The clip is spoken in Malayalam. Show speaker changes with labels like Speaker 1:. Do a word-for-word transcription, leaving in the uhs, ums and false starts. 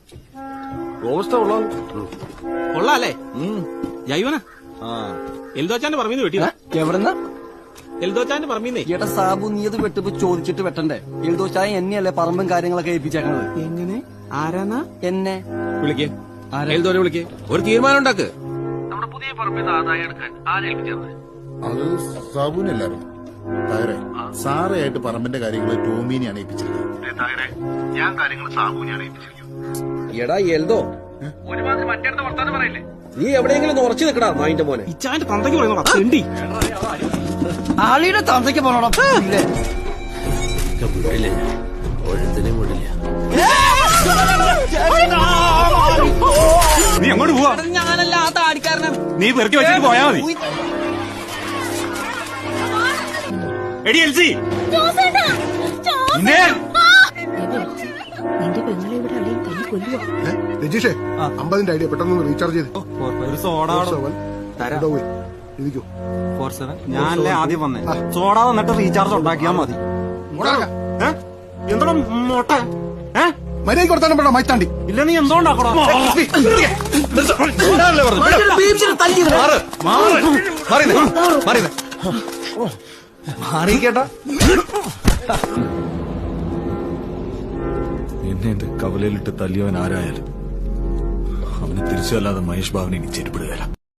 Speaker 1: റോബസ്റ്റ ഉള്ള
Speaker 2: കൊള്ളാല്ലേ ജൈവന എൽദോച്ചാന്റെ പറമ്പീന്ന് വെട്ടിയതാ.
Speaker 3: എവിടെന്നാ?
Speaker 2: എൽദോച്ചാന്റെ പറമ്പീന്നേ.
Speaker 3: ഏട്ടാ സാബു നീ അത് വെട്ടിപ്പോ ചോദിച്ചിട്ട് വെട്ടണ്ടേ? എൽദോച്ചായ എന്നെയല്ലേ പറമ്പും കാര്യങ്ങളൊക്കെ ഏൽപ്പിച്ചേക്കണത്.
Speaker 2: എങ്ങനെ? ആരാന്നാ?
Speaker 3: എന്നെ
Speaker 2: വിളിക്കേ. എൽദോനെ വിളിക്കേ. ഒരു തീരുമാനം ഉണ്ടാക്ക്.
Speaker 1: നമ്മുടെ പുതിയ പറമ്പിൽ ആദായം എടുക്കാൻ ആരേൽപ്പിച്ചത്?
Speaker 4: അത് സാബുവിനല്ലാരും തായറെ സാറയായിട്ട് പറമ്പിന്റെ കാര്യങ്ങൾ ടോമിനെയാണ് ഏൽപ്പിച്ചിരിക്കുന്നത്. ഞാൻ കാര്യങ്ങൾ സാബുവിനെയാണ് ഏൽപ്പിച്ചിരിക്കുന്നത്.
Speaker 2: എടാ എൽദോ,
Speaker 1: ഒരുമാതിരി മറ്റേ വർത്താനം പറയില്ലേ?
Speaker 2: നീ എവിടെയെങ്കിലും ഉറച്ചു നിൽക്കടാ നായിന്റെ മോനെ. ഇച്ചാന്റെ തന്തയ്ക്ക് പറയുന്നോടാ.
Speaker 3: ആളിയുടെ തന്തയ്ക്ക് പോണോടാ.
Speaker 5: നീ അങ്ങോട്ട് പോവാ.
Speaker 2: ഞാനല്ല ആ താടിക്കാരനാണ്.
Speaker 5: നീ പെറുക്കി വെച്ചിട്ട് പോയാ മതി. എടി എൽസി,
Speaker 6: നിന്റെ പെങ്ങളെ ഇവിടെ അളിയും തല്ലി കൊല്ലുവാ.
Speaker 7: രജീഷേ, അമ്പതിന്റെ ഐഡിയ പെട്ടെന്ന് റീചാർജ് ചെയ്ത്
Speaker 5: ഒരു സോഡ
Speaker 7: ഇരിക്കൂ.
Speaker 5: ഫോർ സെവൻ ഞാനല്ലേ ആദ്യം വന്നേ. സോഡ വന്നിട്ട് റീചാർജ് ഉണ്ടാക്കിയാ മതി. എന്താ മോട്ട
Speaker 7: മര്യാദ കൊടുത്താലും പെടാ മൈത്താണ്ടി.
Speaker 5: ഇല്ല നീ എന്തോണ്ടാക്കടാ?
Speaker 3: മാറിക്കേട്ടാ.
Speaker 8: എന്നെ എന്റെ കവലയിലിട്ട് തല്ലിയവൻ ആരായാലും അവന് തിരിച്ചല്ലാതെ മഹേഷ് ബാബുനെ ഇനി ചെരുപ്പിടുകയില്ല.